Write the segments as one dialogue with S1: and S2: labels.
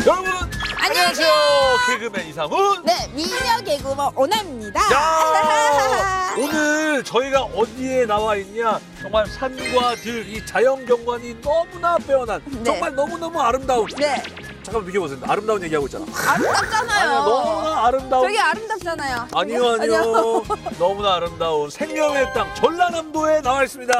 S1: 여러분
S2: 안녕하세요.
S1: 개그맨 이상훈.
S2: 네, 미녀 개그먼 오남입니다.
S1: 자, 오늘 저희가 어디에 나와 있냐? 정말 산과 들, 이 자연 경관이 너무나 빼어난
S2: 네.
S1: 정말 너무너무 아름다운.
S2: 네,
S1: 잠깐만 비켜보세요. 아름다운 얘기하고 있잖아.
S2: 아름답잖아요.
S1: 아니야, 너무나 아름다운.
S2: 저기 아름답잖아요.
S1: 아니요. 너무나 아름다운 생명의 땅 전라남도에 나와 있습니다.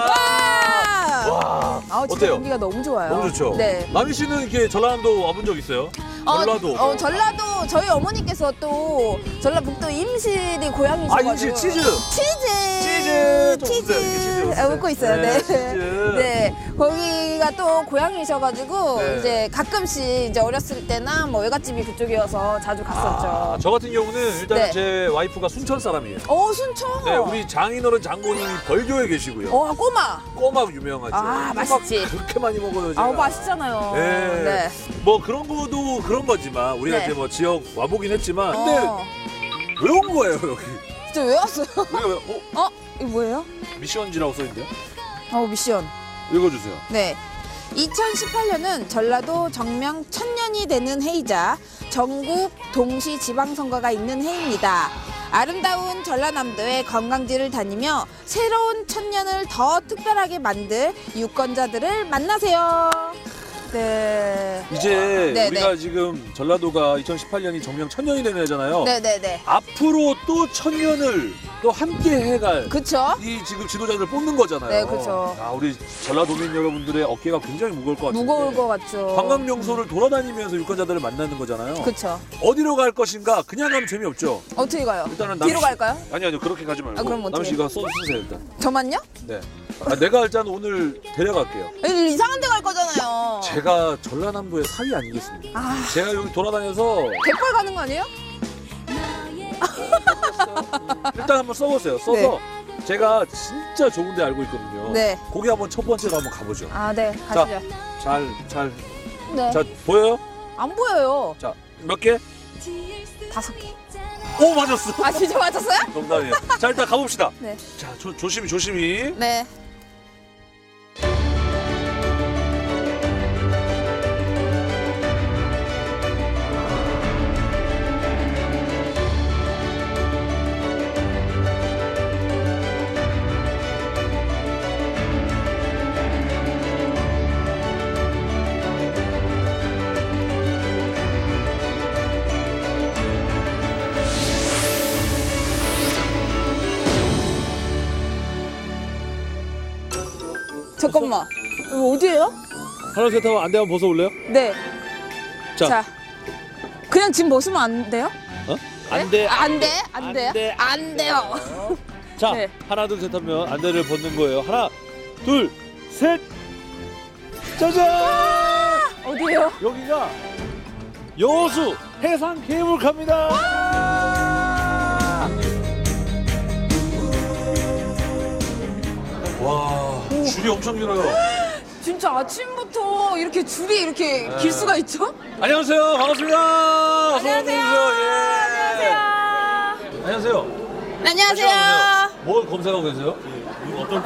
S1: 와,
S2: 아, 진짜
S1: 어때요?
S2: 공기가 너무 좋아요.
S1: 너무 좋죠?
S2: 네.
S1: 남희 씨는 이렇게 전라남도 와본 적 있어요? 전라도.
S2: 전라도 저희 어머니께서 또 전라북도 임실이 고향이셔가지고.
S1: 아, 임실 치즈.
S2: 치즈.
S1: 좀 웃어요. 이게 치즈
S2: 아, 웃고 있어요. 네.
S1: 치즈.
S2: 네. 거기가 또 고향이셔가지고
S1: 네.
S2: 이제 가끔씩 이제 어렸을 때나 뭐 외갓집이 그쪽이어서 자주 갔었죠.
S1: 아, 저 같은 경우는 일단
S2: 네.
S1: 제 와이프가 순천 사람이에요.
S2: 순천.
S1: 네, 우리 장인어른 장모님이 벌교에 계시고요.
S2: 꼬마.
S1: 꼬막 유명하죠.
S2: 아,
S1: 꼬막
S2: 맛있지.
S1: 그렇게 많이 먹어요. 제가.
S2: 아, 맛있잖아요.
S1: 네.
S2: 네.
S1: 뭐 그런 거도 그런 거지만 우리가
S2: 네.
S1: 이제 뭐 지역 와보긴 했지만 근데
S2: 어.
S1: 왜 온 거예요 여기?
S2: 진짜 왜 왔어요?
S1: 왜?
S2: 이거 뭐예요?
S1: 미션지라고 써있는데요?
S2: 미션.
S1: 읽어주세요.
S2: 네. 2018년은 전라도 정명 1000년이 되는 해이자 전국 동시 지방선거가 있는 해입니다. 아름다운 전라남도의 관광지를 다니며 새로운 1000년을 더 특별하게 만들 유권자들을 만나세요. 네.
S1: 이제
S2: 네,
S1: 우리가
S2: 네.
S1: 지금 전라도가 2018년이 정명 1000년이 되는 해잖아요.
S2: 네네네.
S1: 앞으로 또 1000년을 또 함께 해갈
S2: 그쵸?
S1: 이 지금 지도자들 뽑는 거잖아요.
S2: 네, 그쵸.
S1: 아, 우리 전라도민 여러분들의 어깨가 굉장히 무거울 것 같은데.
S2: 무거울 것 같죠.
S1: 관광 명소를 돌아다니면서 유권자들을 만나는 거잖아요.
S2: 그쵸.
S1: 어디로 갈 것인가? 그냥 가면 재미없죠.
S2: 어떻게 가요?
S1: 일단은
S2: 뒤로
S1: 남씨-
S2: 갈까요?
S1: 아니요, 그렇게 가지 말고.
S2: 그럼 어떻게
S1: 남씨가 써주세요 일단.
S2: 저만요?
S1: 네. 내가 일단 오늘 데려갈게요.
S2: 이상한 데 갈 거잖아요.
S1: 제가 전라남도의 사위 아니겠습니까?
S2: 아,
S1: 제가 여기 돌아다녀서
S2: 갯벌 가는 거 아니에요?
S1: 일단 한번 써보세요. 써서 제가 진짜 좋은 데 알고 있거든요.
S2: 네.
S1: 거기 한번 첫 번째로 한번 가보죠.
S2: 아, 네. 가시죠.
S1: 잘.
S2: 네.
S1: 자, 보여요?
S2: 안 보여요.
S1: 자, 몇 개?
S2: 5개.
S1: 오, 맞았어.
S2: 아, 진짜 맞았어요?
S1: 농담이에요. 자, 일단 가봅시다.
S2: 네.
S1: 자, 조심히.
S2: 네. 잠깐만. 이거 어디예요?
S1: 하나, 셋 하면 안 되면 벗어올래요?
S2: 네.
S1: 자.
S2: 자. 그냥 짐 벗으면 안 돼요?
S1: 어?
S2: 네?
S1: 안 돼.
S2: 안 돼? 안 돼요?
S1: 돼.
S2: 안 돼요.
S1: 자,
S2: 네.
S1: 하나, 둘, 셋 하면 안대를 벗는 거예요. 하나, 둘, 셋. 짜잔!
S2: 어디예요?
S1: 여기가 여수 해상 케이블카입니다. 와, 줄이 엄청 길어요.
S2: 진짜 아침부터 이렇게 줄이 이렇게 길 수가 있죠?
S1: 안녕하세요. 반갑습니다.
S2: 안녕하세요.
S1: 안녕하세요.
S2: 안녕하세요.
S1: 뭘 검색하고 계세요?
S3: 어떤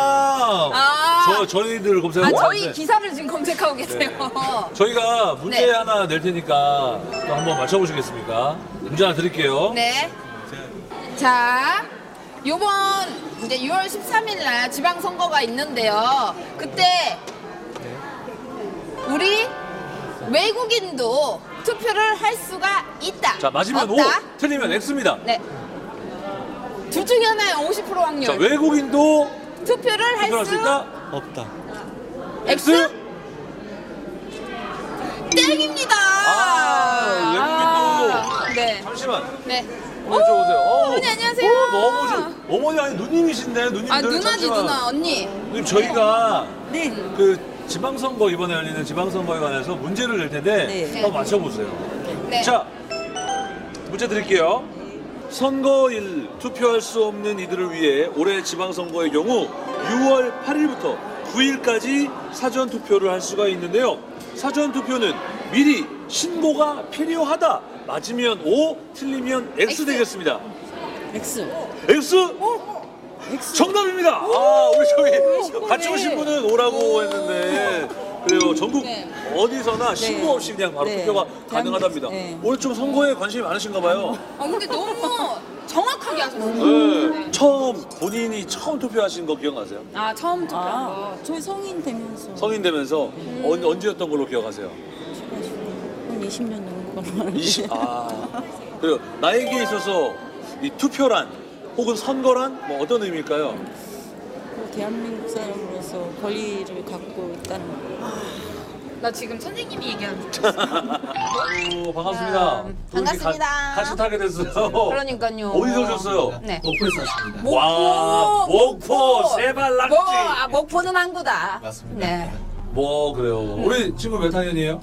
S1: 저희들 검색하고
S2: 저희
S1: 있는데
S2: 기사를 지금 검색하고 계세요.
S1: 저희가 문제
S2: 네.
S1: 하나 낼 테니까 또 한번 맞춰보시겠습니까? 문제 하나 드릴게요.
S2: 네. 자, 요번 이제 6월 13일 날 지방선거가 있는데요. 그때 우리 외국인도 투표를 할 수가 있다.
S1: 자, 맞으면
S2: 없다?
S1: O, 틀리면 X입니다.
S2: 네. 둘 중에 하나에 50% 확률.
S1: 자, 외국인도
S2: 투표를 할
S1: 투표할 수
S2: 수
S1: 있다?
S3: 없다.
S2: X? 땡입니다.
S1: 외국인도.
S2: 네.
S1: 잠시만.
S2: 네.
S1: 한번 여쭤보세요.
S2: 어머니 안녕하세요.
S1: 너무 좋. 어머니 아니 누님이신데 누님들.
S2: 아, 누나지
S1: 잠시만.
S2: 누나 언니.
S1: 누님 저희가
S2: 네.
S1: 그 지방선거 이번에 열리는 지방선거에 관해서 문제를 낼 텐데
S2: 네.
S1: 한번 맞춰보세요.
S2: 네.
S1: 자, 문제 드릴게요. 선거일 투표할 수 없는 이들을 위해 올해 지방선거의 경우 6월 8일부터 9일까지 사전 투표를 할 수가 있는데요. 사전 투표는 미리 신고가 필요하다. 맞으면 O, 틀리면 X
S2: X.
S1: 되겠습니다.
S2: X.
S1: X? 정답입니다. 아, 우리 저기 같이 오신 분은 O라고 했는데 그래요. 전국
S2: 네.
S1: 어디서나 신고 없이 그냥 바로
S2: 네.
S1: 투표가 가능하답니다.
S2: 네.
S1: 오늘 좀 선거에 관심이 많으신가 봐요.
S2: 근데 너무 정확하게 하셨어요.
S1: 네. 본인이 처음 투표하신 거 기억나세요?
S2: 처음 투표한 거.
S3: 저희 성인 되면서
S1: 성인 되면서 언제였던 걸로 기억하세요?
S3: 한 20년 넘은 걸로 알고
S1: 20. 그래요. 나에게 있어서 이 투표란 혹은 선거란 뭐 어떤 의미일까요?
S3: 있고, 대한민국 사람으로서 권리를 갖고 있다는 거.
S2: 나 지금 선생님이 얘기하는
S1: 아유, 반갑습니다. 또 이렇게
S2: 반갑습니다.
S1: 같이 타게 됐어요.
S2: 그러니까요.
S1: 어디서 오셨어요?
S2: 네.
S4: 목포에서 왔습니다.
S2: 목포.
S1: 와, 목포 세발 낙지.
S2: 목포는 항구다.
S4: 맞습니다.
S2: 네.
S1: 뭐 그래요. 우리 친구 몇 학년이에요?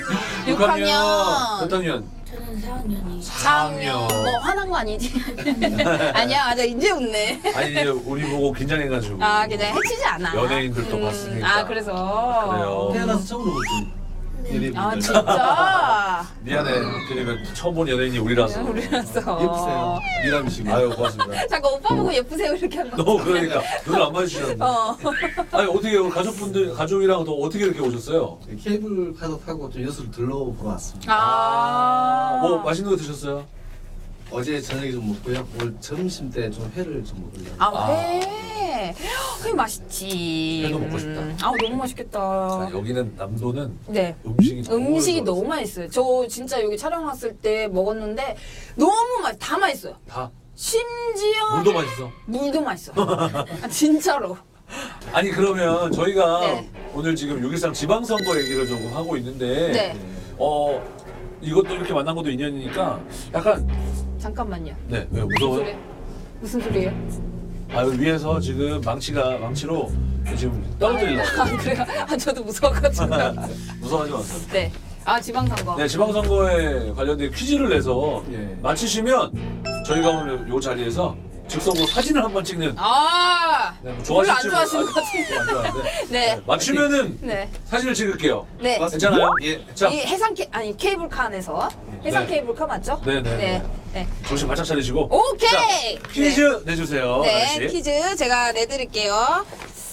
S2: 6학년.
S1: 몇 학년?
S3: 저는 4학년이
S1: 4학년.
S2: 뭐 화난 거 아니지? 아니야, 맞아. 이제 웃네.
S1: 아니 이제 우리 보고 긴장해가지고.
S2: 그냥 해치지 않아.
S1: 연예인들도 봤으니까.
S2: 그래서.
S1: 그래요.
S4: 태어나서 처음으로 본 연예인분들.
S2: 진짜.
S1: 미안해. 그러면 처음 본 연예인이 우리라서.
S2: 우리라서.
S4: 예쁘세요. 미남이시고.
S1: 아유 고맙습니다.
S2: 잠깐 오빠 보고 예쁘세요 이렇게 한 거.
S1: 너 그러니까 눈을 안 마주치셨네. 아니 어떻게 우리 가족이랑 또 어떻게 이렇게 오셨어요?
S4: 케이블카도 타고 좀 여수를 둘러보러 왔습니다.
S1: 뭐 맛있는 거 드셨어요?
S4: 어제 저녁에 좀 먹고요. 오늘 점심 때 좀 회를 좀 먹으려고.
S2: 회. 회 맛있지.
S1: 회도 먹고 싶다.
S2: 너무 맛있겠다.
S1: 자, 여기는 남도는
S2: 네.
S1: 음식이
S2: 너무 맛있어요. 저 진짜 여기 촬영 왔을 때 먹었는데 너무 다 맛있어요.
S1: 다
S2: 심지어
S1: 물도 맛있어.
S2: 물도 맛있어요. 진짜로.
S1: 아니 그러면 저희가
S2: 네.
S1: 오늘 지금 6.13 지방선거 얘기를 조금 하고 있는데
S2: 네.
S1: 이것도 이렇게 만난 것도 인연이니까 약간
S2: 잠깐만요.
S1: 네 왜 무서워요?
S2: 무슨 소리예요?
S1: 위에서 지금 망치로 지금 떨어뜨리려고
S2: 그래요? 저도 무서워가지고.
S1: 무서워하지 마세요.
S2: 네. 지방선거.
S1: 네 지방선거에 관련된 퀴즈를 내서
S4: 예.
S1: 맞히시면 저희가 오늘 이 자리에서 즉석으로 사진을 한번 찍는
S2: 별로 안 좋아하시는 것 같은데.
S1: 안 좋아하는데
S2: 네.
S1: 맞추면은
S2: 네.
S1: 사진을 찍을게요.
S2: 네.
S1: 괜찮아요?
S4: 예.
S1: 자
S2: 이 케이블카 안에서 해상
S1: 네.
S2: 케이블카 맞죠?
S1: 네네.
S2: 네.
S1: 정신 바짝 차리시고
S2: 오케이.
S1: 자, 퀴즈 내주세요.
S2: 네,
S1: 아저씨.
S2: 퀴즈 제가 내드릴게요.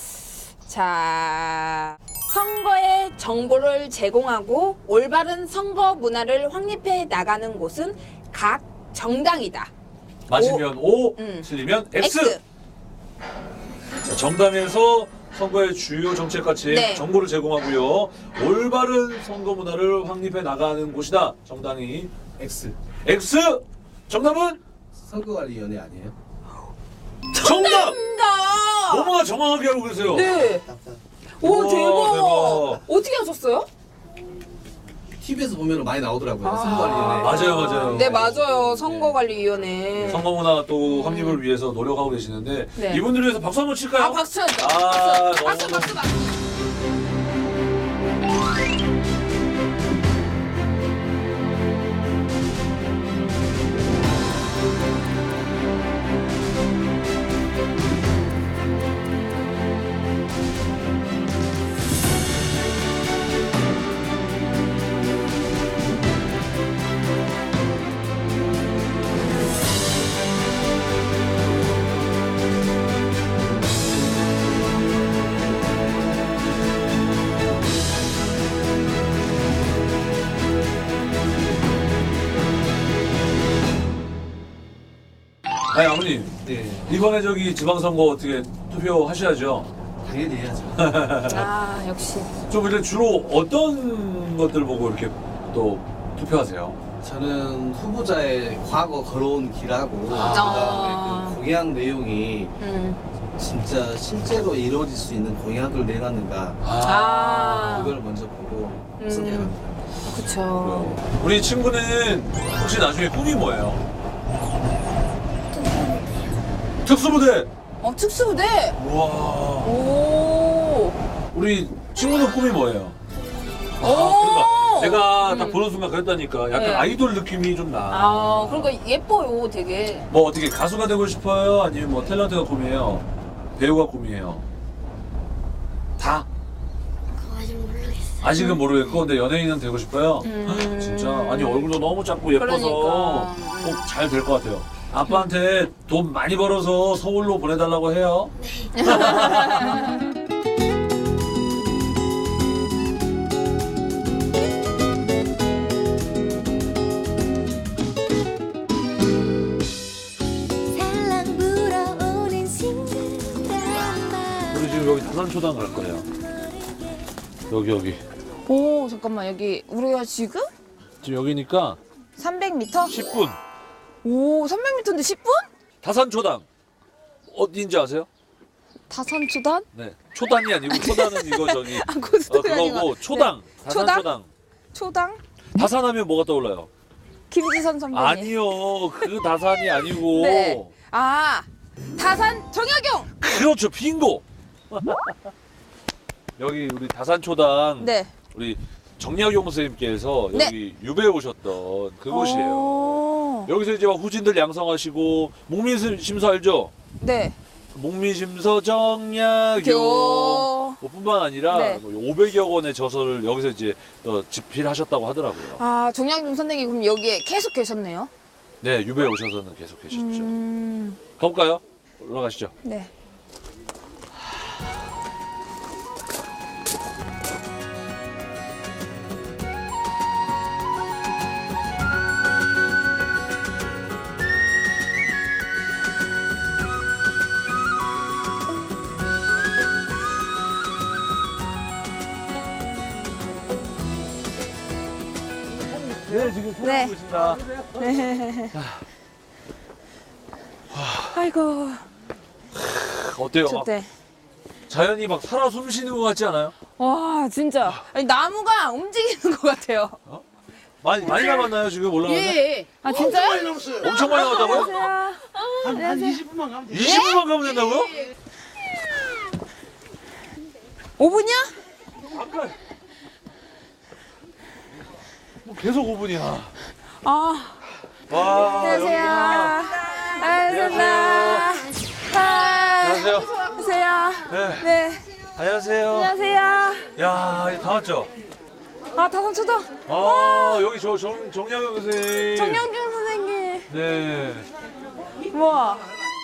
S2: 자, 선거의 정보를 제공하고 올바른 선거 문화를 확립해 나가는 곳은 각 정당이다.
S1: 맞으면 O,
S2: 음.
S1: 틀리면 X. 자, 정당에서 선거의 주요 정책 가치
S2: 네.
S1: 정보를 제공하고요. 올바른 선거 문화를 확립해 나가는 곳이다. 정당이
S4: X.
S1: X. 정답은
S4: 선거관리위원회 아니에요?
S1: 정답.
S2: 정답!
S1: 너무나 정확하게 알고 계세요.
S2: 네. 오,
S1: 우와,
S2: 대박.
S1: 대박.
S2: 어떻게 하셨어요?
S4: TV에서 보면 많이 나오더라고요. 선거관리위원회.
S1: 맞아요.
S2: 네, 맞아요. 선거관리위원회.
S1: 선거 문화 또 확립을 위해서 노력하고 계시는데
S2: 네.
S1: 이분들을 위해서 박수 한번 칠까요?
S2: 박수 쳐야죠.
S1: 아,
S2: 박수,
S1: 너무-
S2: 박수, 박수.
S1: 아니 아버님
S4: 네.
S1: 이번에 저기 지방선거 어떻게 투표하셔야죠?
S4: 당연히 해야죠.
S2: 역시.
S1: 좀 이렇게 주로 어떤 것들 보고 이렇게 또 투표하세요?
S4: 저는 후보자의 과거 걸어온 길하고
S2: 아.
S4: 그다음에 그 공약 내용이
S2: 음.
S4: 진짜 실제로 이루어질 수 있는 공약을 내놨는가 그걸 먼저 보고 선택합니다.
S2: 그쵸.
S1: 우리 친구는 혹시 나중에 꿈이 뭐예요? 특수부대.
S2: 특수부대.
S1: 우와.
S2: 오.
S1: 우리 친구는 꿈이 뭐예요?
S2: 오.
S1: 그러니까 내가 딱 보는 순간 그랬다니까. 약간
S2: 네.
S1: 아이돌 느낌이 좀 나.
S2: 그러니까 예뻐요, 되게.
S1: 뭐 어떻게 가수가 되고 싶어요? 아니면 뭐 탤런트가 꿈이에요? 배우가 꿈이에요? 다?
S5: 그거 아직 모르겠어요.
S1: 아직은 모르겠고 근데 연예인은 되고 싶어요? 진짜 아니 얼굴도 너무 작고 예뻐서
S2: 그러니까.
S1: 꼭 잘 될 것 같아요. 아빠한테 돈 많이 벌어서 서울로 보내달라고 해요. 다산초당 갈 거예요. 여기.
S2: 오, 잠깐만. 여기 우리가 지금
S1: 지금 여기니까
S2: 300m?
S1: 10분.
S2: 오, 300m인데 10분?
S1: 다산초당 어디인지 아세요?
S2: 다산초단?
S1: 네. 초단이 아니고 초단은 이거 저기
S2: 고수가
S1: 그거고 초당. 다산초당.
S2: 초당?
S1: 다산하면 뭐가 떠올라요?
S2: 김지선 선배님.
S1: 아니요. 그 다산이 아니고.
S2: 네. 아, 다산 정약용.
S1: 그렇죠. 빙고. 여기 우리 다산초당
S2: 네.
S1: 우리 정약용 선생님께서
S2: 네.
S1: 여기 유배 오셨던 그곳이에요.
S2: 오.
S1: 여기서 이제 막 후진들 양성하시고 목민심서 알죠?
S2: 네.
S1: 목민심서 정약용
S2: 교.
S1: 뿐만 아니라
S2: 네.
S1: 500여 권의 저서를 여기서 이제 집필하셨다고 하더라고요.
S2: 아, 정약용 선생님 그럼 여기에 계속 계셨네요.
S1: 네, 유배 오셔서는 계속 계셨죠. 가볼까요? 올라가시죠.
S2: 네.
S1: 네, 지금
S2: 네.
S1: 통하고 있습니다.
S2: 네. 아이고,
S1: 어때요? 막
S2: 좋대.
S1: 자연이 막 살아 숨쉬는 것 같지 않아요?
S2: 와, 진짜. 아니, 나무가 움직이는 것 같아요.
S1: 많이 남았나요 지금 올라가는데?
S2: 예. 아, 진짜요?
S1: 엄청 많이 남았다고요?
S2: 안녕하세요.
S4: 20분만 가면
S1: 20분만 가면 된다고요?
S2: 5분이야?
S1: 아까 뭐 계속 5분이야.
S2: 아,
S1: 와,
S2: 안녕하세요.
S1: 안녕하세요. 안녕하세요.
S2: 안녕하세요.
S1: 네.
S2: 네.
S1: 안녕하세요.
S2: 안녕하세요.
S1: 야, 이제 다 왔죠?
S2: 아, 다산초당.
S1: 아, 여기 정약용 선생님.
S2: 정영준 선생님.
S1: 네.
S2: 우와.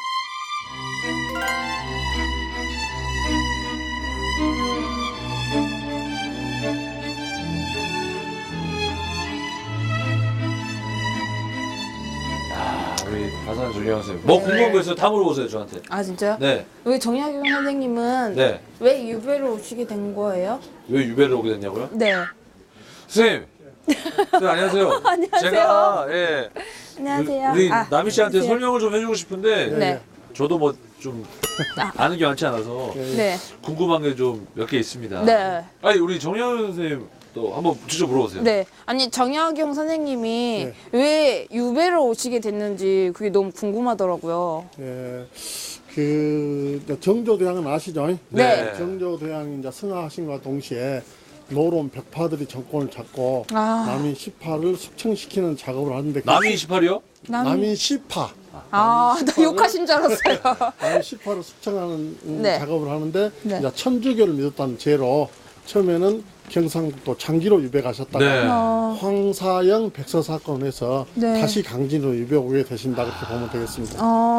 S1: 우리 다산 정약용 선생님. 뭐 궁금한 거 있어요? 다 물어보세요, 저한테.
S2: 아, 진짜요?
S1: 네.
S2: 왜 정약용 선생님은
S1: 네.
S2: 왜 유배로 오시게 된 거예요?
S1: 왜 유배를 오게 됐냐고요?
S2: 네.
S1: 선생님. 선생님, 안녕하세요.
S2: 안녕하세요.
S1: 제가, 예.
S2: 안녕하세요.
S1: 우리
S2: 아,
S1: 남희 씨한테
S2: 안녕하세요.
S1: 설명을 좀 해주고 싶은데.
S2: 네.
S1: 저도 뭐 좀 아는 게 많지 않아서
S2: 네.
S1: 궁금한 게 좀 몇 개 있습니다.
S2: 네.
S1: 아니 우리 정약용 선생님 또 한번 직접 물어보세요.
S2: 네. 아니, 정약용 선생님이 왜 유배로 오시게 됐는지 그게 너무 궁금하더라고요.
S6: 예, 그 이제 정조대왕은 아시죠?
S2: 네.
S6: 정조대왕이 이제 승하하신과 동시에 노론 벽파들이 정권을 잡고
S2: 아.
S6: 남인 시파를 숙청시키는 작업을 하는데
S1: 남이 28이요?
S6: 남인 시파
S2: 아, 나 욕하신 줄 알았어요.
S6: 남인 시파를 숙청하는
S2: 네.
S6: 작업을 하는데
S2: 네.
S6: 이제 천주교를 믿었다는 죄로 처음에는 경상북도 장기로 유배 가셨다가
S1: 네.
S6: 황사영 백서 사건에서
S2: 네.
S6: 다시 강진으로 유배 오게 되신다 그렇게 보면 되겠습니다.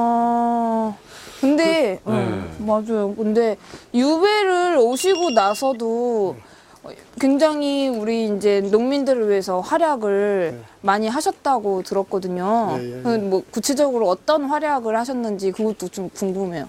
S2: 근데,
S1: 네.
S2: 맞아요. 근데 유배를 오시고 나서도 굉장히 우리 이제 농민들을 위해서 활약을 많이 하셨다고 들었거든요.
S6: 예, 예, 예.
S2: 뭐 구체적으로 어떤 활약을 하셨는지 그것도 좀 궁금해요.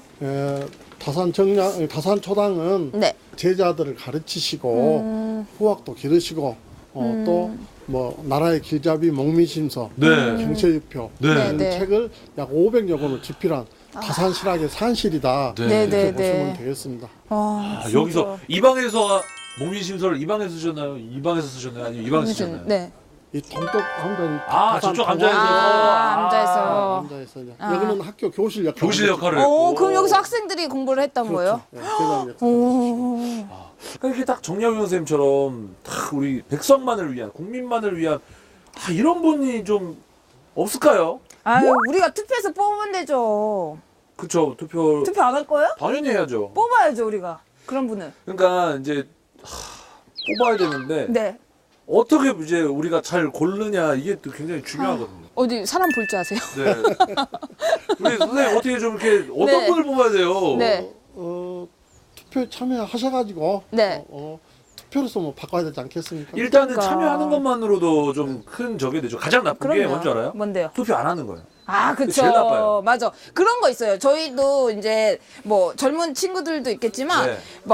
S6: 다산 초당은
S2: 네.
S6: 제자들을 가르치시고 후학도 기르시고 또 뭐 나라의 길잡이 목민심서
S1: 네.
S6: 경체유표
S1: 네.
S6: 이런
S2: 네.
S6: 책을 약 500여 권을 집필한 다산실학의 산실이다
S1: 네.
S6: 이렇게
S2: 네,
S6: 보시면
S2: 네.
S6: 되겠습니다.
S2: 아,
S1: 아, 여기서 이 방에서 목민심서를 이 방에서 쓰셨나요? 이 방에서 쓰셨나요? 아니면 이 방에서 쓰셨나요?
S2: 네.
S6: 이 동쪽 앉아
S1: 아, 저쪽 앉아있어서.
S2: 앉아있어.
S6: 앉아있어 여기는 학교 교실 역할
S1: 교실 역할을 했고.
S2: 그럼 여기서 학생들이 공부를 했던 거예요?
S6: 제자 역할.
S2: 오.
S1: 이렇게 딱 정약용 선생님처럼 딱 우리 백성만을 위한 국민만을 위한 이런 분이 좀 없을까요?
S2: 아유, 우리가 투표해서 뽑으면 되죠.
S1: 그쵸, 투표
S2: 투표 안 할 거예요?
S1: 당연히 해야죠.
S2: 뽑아야죠, 우리가. 그런 분은.
S1: 그러니까 이제 뽑아야 되는데
S2: 네.
S1: 어떻게 이제 우리가 잘 고르느냐 이게 또 굉장히 중요하거든요.
S2: 어디 사람 볼 줄 아세요?
S1: 네. 우리 선생님 어떻게 좀 이렇게 어떤
S2: 네.
S1: 분을 뽑아야 돼요?
S2: 네.
S6: 투표에 참여하셔가지고
S2: 네.
S6: 투표로서 뭐 바꿔야 되지 않겠습니까?
S1: 일단은
S2: 그러니까.
S1: 참여하는 것만으로도 좀 큰 적이 되죠. 가장 나쁜 게
S2: 그럼요.
S1: 뭔지 알아요?
S2: 뭔데요?
S1: 투표 안 하는 거예요.
S2: 아, 그쵸.
S1: 제일 나빠요.
S2: 맞아. 그런 거 있어요. 저희도 이제 뭐 젊은 친구들도 있겠지만
S1: 네.
S2: 막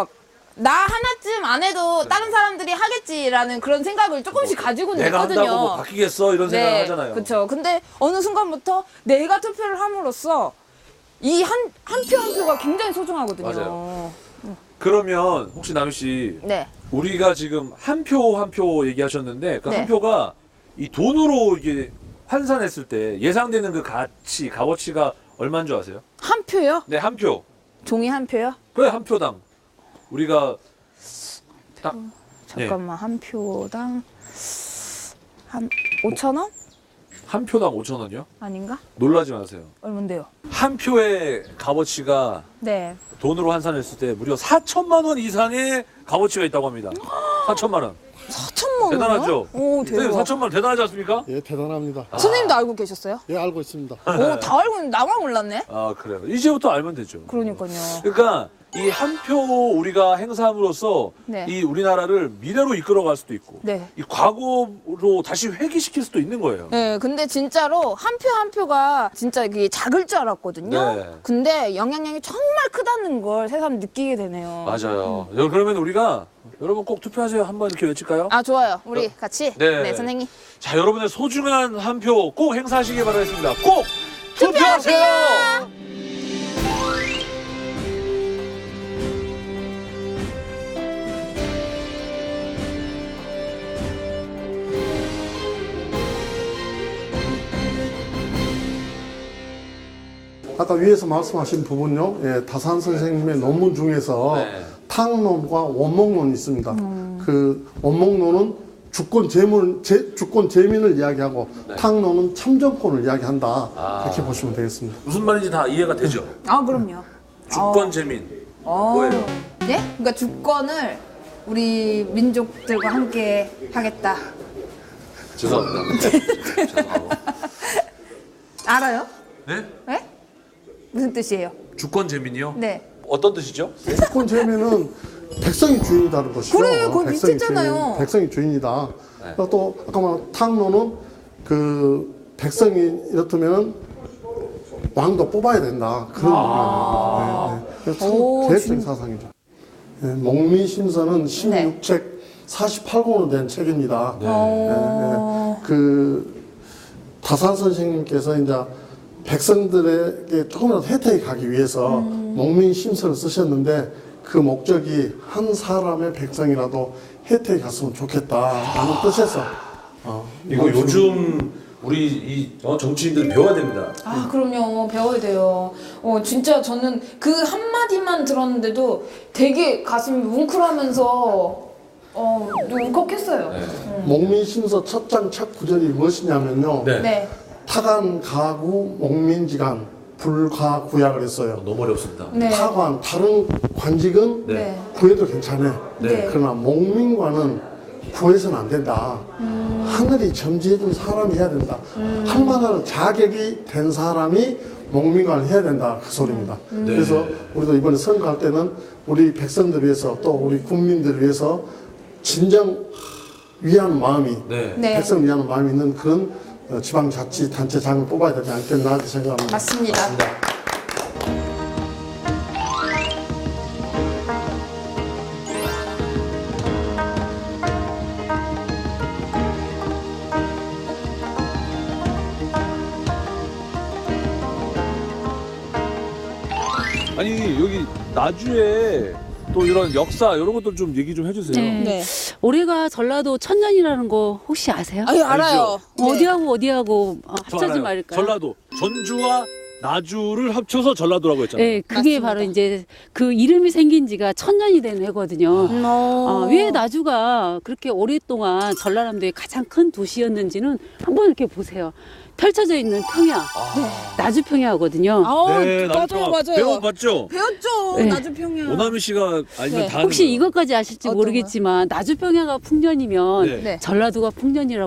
S2: 나 하나쯤 안 해도 다른 사람들이 하겠지라는 그런 생각을 조금씩 가지고는
S1: 내가
S2: 있거든요.
S1: 한다고 뭐 바뀌겠어 이런 생각을 하잖아요.
S2: 그렇죠. 근데 어느 순간부터 내가 투표를 함으로써 이 한 표 한 표가 굉장히 소중하거든요.
S1: 맞아요. 그러면 혹시 남희 씨
S2: 네.
S1: 우리가 지금 한 표 한 표 얘기하셨는데 그
S2: 네.
S1: 한 표가 이 돈으로 이게 환산했을 때 예상되는 그 값어치가 얼마인 줄 아세요?
S2: 한 표요?
S1: 네, 한 표.
S2: 종이 한 표요?
S1: 그래, 한 표당. 우리가 딱
S2: 잠깐만 한 표당 한 5천 원?
S1: 한 표당 5,000원이요?
S2: 아닌가?
S1: 놀라지 마세요.
S2: 얼만데요?
S1: 한 표의 값어치가
S2: 네.
S1: 돈으로 환산했을 때 무려 4천만 원 이상의 값어치가 있다고 합니다. 4천만 원.
S2: 4천만 원?
S1: 대단하죠?
S2: 오,
S1: 선생님
S2: 대박.
S1: 4천만 원 대단하지 않습니까?
S6: 예, 대단합니다.
S2: 선생님도 알고 계셨어요?
S6: 예, 알고 있습니다.
S2: 오, 다 알고 있는데 나만 몰랐네?
S1: 아, 그래요. 이제부터 알면 되죠.
S2: 그러니까요.
S1: 그러니까 이 한 표 우리가 행사함으로써
S2: 네.
S1: 이 우리나라를 미래로 이끌어갈 수도 있고
S2: 네.
S1: 이 과거로 다시 회귀시킬 수도 있는 거예요.
S2: 네, 근데 진짜로 한 표 한 표가 진짜 이게 작을 줄 알았거든요.
S1: 네.
S2: 근데 영향력이 정말 크다는 걸 새삼 느끼게 되네요.
S1: 맞아요. 그러면 우리가 여러분 꼭 투표하세요. 한번 이렇게 외칠까요?
S2: 아, 좋아요. 우리 같이.
S1: 네.
S2: 네, 선생님.
S1: 자, 여러분의 소중한 한 표 꼭 행사하시길 바라겠습니다. 꼭 투표하세요.
S6: 아까 위에서 말씀하신 부분요, 예, 다산 선생님의 논문 중에서
S1: 네.
S6: 탕론과 원목론이 있습니다. 그 원목론은 주권 재민을 이야기하고 탕론은 참정권을 이야기한다. 이렇게 보시면 되겠습니다.
S1: 무슨 말인지 다 이해가 되죠?
S2: 아, 그럼요.
S1: 주권 재민. 뭐예요?
S2: 네? 그러니까 주권을 우리 민족들과 함께 하겠다.
S1: 죄송합니다. 죄송합니다.
S2: 알아요?
S1: 네?
S2: 네? 무슨 뜻이에요?
S1: 주권 재민이요?
S2: 네.
S1: 어떤 뜻이죠?
S6: 주권 재민은 백성이 주인이다는 것이죠.
S2: 그래, 그거
S6: 백성이
S2: 비슷했잖아요.
S6: 주인, 백성이 주인이다. 또 아까 말한 탕론은 그 백성이 이렇다면 왕도 뽑아야 된다. 그런 의미입니다. 네, 네.
S2: 오,
S6: 참 계획적인 사상이죠. 네, 목미심서는 16책 48권으로 된 책입니다. 그 다산 선생님께서 이제 백성들에게 조금이라도 혜택이 가기 위해서 목민심서를 쓰셨는데 그 목적이 한 사람의 백성이라도 혜택이 갔으면 좋겠다라는 뜻에서
S1: 이거 요즘 우리 이 정치인들 배워야 됩니다.
S2: 아, 그럼요. 배워야 돼요. 진짜 저는 그 한마디만 들었는데도 되게 가슴이 뭉클하면서 울컥했어요.
S6: 목민심서 첫 장 첫 구절이 무엇이냐면요.
S1: 네.
S2: 네.
S6: 타관, 가구, 목민지간, 불가구약을 했어요.
S1: 너무 어렵습니다.
S2: 네.
S6: 타관, 다른 관직은
S2: 네.
S6: 구해도 괜찮아.
S2: 네.
S6: 그러나 목민과는 구해서는 안 된다. 하늘이 점지해준 사람이 해야 된다. 할 만한 자격이 된 사람이 목민관을 해야 된다. 그 소리입니다. 그래서 우리도 이번에 선거할 때는 우리 백성들 위해서 또 우리 국민들을 위해서 진정 위하는 마음이
S1: 네.
S2: 네.
S6: 백성을 위하는 마음이 있는 그런 지방자치단체장을 뽑아야 되지 않겠나 이렇게 생각합니다.
S2: 맞습니다.
S1: 아니 여기 나주에 또 이런 역사 이런 것도 좀 얘기 좀 해주세요.
S7: 네.
S2: 네.
S7: 올해가 전라도 천년이라는 거 혹시 아세요?
S2: 아유, 알아요.
S7: 어디하고
S1: 저
S7: 합쳐지
S1: 알아요.
S7: 말까요?
S1: 전라도 전주와 나주를 합쳐서 전라도라고 했잖아요.
S7: 네, 그게
S2: 맞습니다.
S7: 바로 이제 그 이름이 생긴 지가 천년이 된 해거든요. 왜 나주가 그렇게 오랫동안 전라남도의 가장 큰 도시였는지는 한번 이렇게 보세요. 펼쳐져 있는 평야, 나주 평야거든요.
S1: 네,
S2: 맞아요.
S1: 배워봤죠?
S2: 배웠죠.
S7: 네.
S2: 나주평야.
S1: 오나미 씨가 알면
S2: 네.
S1: 다 하는
S7: 혹시
S1: 거예요.
S7: 이것까지 아실지
S2: 어떤
S7: 모르겠지만 나주 평야가 풍년이면
S1: 네.
S2: 네.
S7: 전라도가 풍년이라고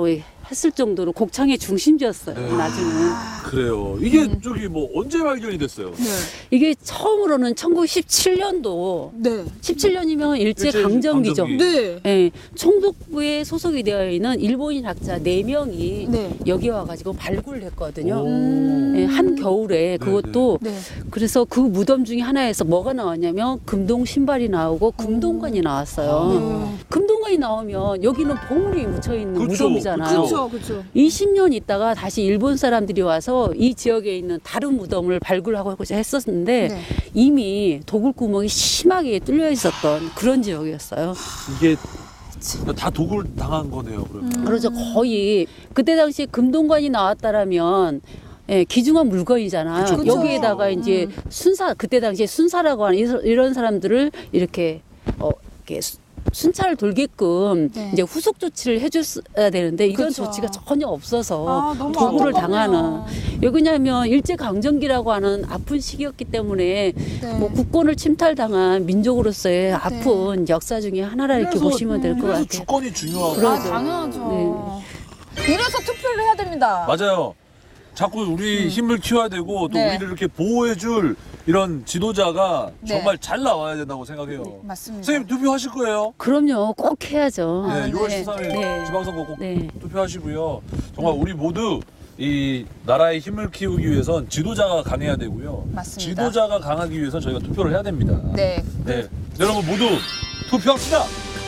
S7: 했을 정도로 곡창의 중심지였어요.
S1: 네.
S7: 나중은.
S1: 그래요. 이게 저기 뭐 언제 발견이 됐어요?
S7: 이게 처음으로는 1917년도
S2: 네.
S7: 17년이면 일제
S1: 일제
S7: 강점기죠.
S1: 강점기.
S2: 네.
S7: 예, 총독부에 소속이 되어 있는 일본인 학자 4명이
S2: 네.
S7: 여기 와가지고 발굴을 했거든요.
S1: 오.
S7: 예, 한 겨울에 그것도
S2: 네.
S7: 그래서 그 무덤 중에 하나에서 뭐가 나왔냐면 금동 신발이 나오고 금동관이 나왔어요. 금동관이 나오면 여기는 보물이 묻혀 있는
S1: 그쵸,
S7: 무덤이잖아요.
S1: 그쵸.
S2: 그렇죠.
S7: 20년 있다가 다시 일본 사람들이 와서 이 지역에 있는 다른 무덤을 발굴하고 했었는데
S2: 네.
S7: 이미 도굴구멍이 심하게 뚫려 있었던 그런 지역이었어요.
S1: 이게 다 도굴 당한 거네요. 그러면.
S7: 그래서 거의 그때 당시에 금동관이 나왔다라면 예, 귀중한 물건이잖아요.
S2: 그쵸.
S7: 여기에다가 이제 순사 그때 당시에 순사라고 하는 이런 사람들을 이렇게 이렇게 순찰을 돌게끔
S2: 네.
S7: 이제 후속 조치를 해줬어야 되는데 이런
S2: 그쵸.
S7: 조치가 전혀 없어서
S2: 아, 너무
S7: 도굴을
S2: 안타깝네요.
S7: 당하는. 왜 그러냐면 일제 강점기라고 하는 아픈 시기였기 때문에
S2: 네.
S7: 뭐 국권을 침탈당한 민족으로서의 아픈 역사 중에 하나라 이렇게
S1: 그래서-
S7: 보시면 될 것
S1: 그래서
S7: 같아요.
S1: 주권이 중요하고.
S7: 그러죠.
S2: 아, 당연하죠.
S7: 네.
S2: 이래서 투표를 해야 됩니다.
S1: 맞아요. 자꾸 우리 힘을 키워야 되고 또
S2: 네.
S1: 우리를 이렇게 보호해줄 이런 지도자가
S2: 네.
S1: 정말 잘 나와야 된다고 생각해요.
S2: 맞습니다.
S1: 선생님 투표하실 거예요?
S7: 그럼요, 꼭 해야죠.
S1: 네, 6월
S7: 네.
S1: 13일
S7: 네.
S1: 지방선거 꼭
S7: 네.
S1: 투표하시고요. 정말 우리 모두 이 나라의 힘을 키우기 위해선 지도자가 강해야 되고요.
S2: 맞습니다.
S1: 지도자가 강하기 위해선 저희가 투표를 해야 됩니다.
S2: 네.
S1: 네. 여러분 모두 투표합시다.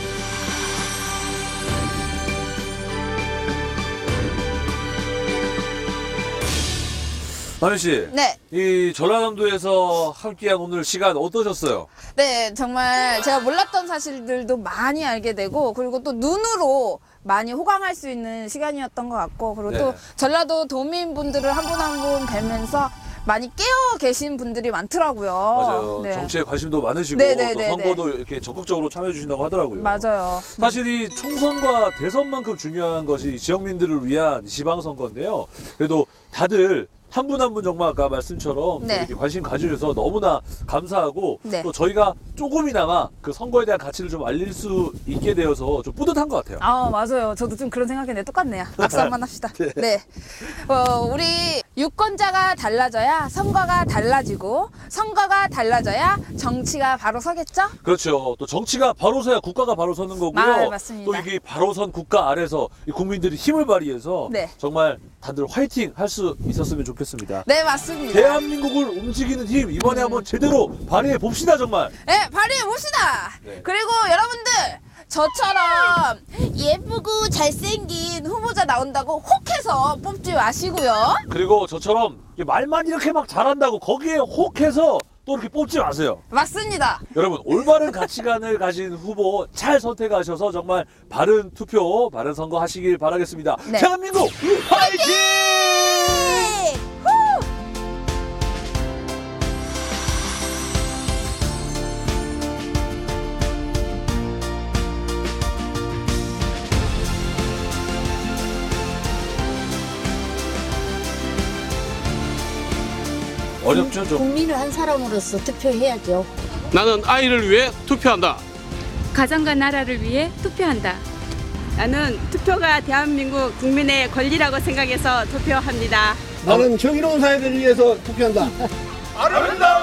S1: 마현 씨,
S2: 네.
S1: 이 전라남도에서 함께한 오늘 시간 어떠셨어요?
S2: 네, 정말 제가 몰랐던 사실들도 많이 알게 되고, 그리고 또 눈으로 많이 호강할 수 있는 시간이었던 것 같고, 그리고
S1: 네.
S2: 또 전라도 도민분들을 한 분 한 분 뵈면서 많이 깨어 계신 분들이 많더라고요.
S1: 맞아요.
S2: 네.
S1: 정치에 관심도 많으시고
S2: 네네네네.
S1: 또 선거도 이렇게 적극적으로 참여해 주신다고 하더라고요.
S2: 맞아요.
S1: 사실 이 총선과 대선만큼 중요한 것이 지역민들을 위한 지방선거인데요. 그래도 다들 한 분 한 분 정말 아까 말씀처럼
S2: 네.
S1: 이렇게 관심 가져주셔서 너무나 감사하고
S2: 네.
S1: 또 저희가 조금이나마 그 선거에 대한 가치를 좀 알릴 수 있게 되어서 좀 뿌듯한 것 같아요.
S2: 아, 맞아요. 저도 좀 그런 생각했는데 똑같네요. 박수 한번 합시다. 네. 우리 유권자가 달라져야 선거가 달라지고, 선거가 달라져야 정치가 바로 서겠죠?
S1: 그렇죠. 또 정치가 바로 서야 국가가 바로 서는 거고요.
S2: 아, 맞습니다.
S1: 또 이게 바로 선 국가 아래서 이 국민들이 힘을 발휘해서
S2: 네.
S1: 정말 다들 화이팅 할 수 있었으면 좋겠습니다.
S2: 네, 맞습니다.
S1: 대한민국을 움직이는 힘 이번에 한번 제대로 발휘해 봅시다 정말.
S2: 네, 발휘해 봅시다.
S1: 네.
S2: 그리고 여러분들 저처럼 예쁘고 잘생긴 후보자 나온다고 혹해서 뽑지 마시고요.
S1: 그리고 저처럼 말만 이렇게 막 잘한다고 거기에 혹해서 또 이렇게 뽑지 마세요.
S2: 맞습니다.
S1: 여러분 올바른 가치관을 가진 후보 잘 선택하셔서 정말 바른 투표, 바른 선거 하시길 바라겠습니다.
S2: 네.
S1: 대한민국 화이팅!
S2: 네. 후!
S1: 어렵죠 좀.
S5: 국민을 한 사람으로서 투표해야죠.
S8: 나는 아이를 위해 투표한다.
S9: 가정과 나라를 위해 투표한다.
S3: 나는 투표가 대한민국 국민의 권리라고 생각해서 투표합니다.
S10: 나는 정의로운 사회를 위해서 투표한다.
S1: 아름다운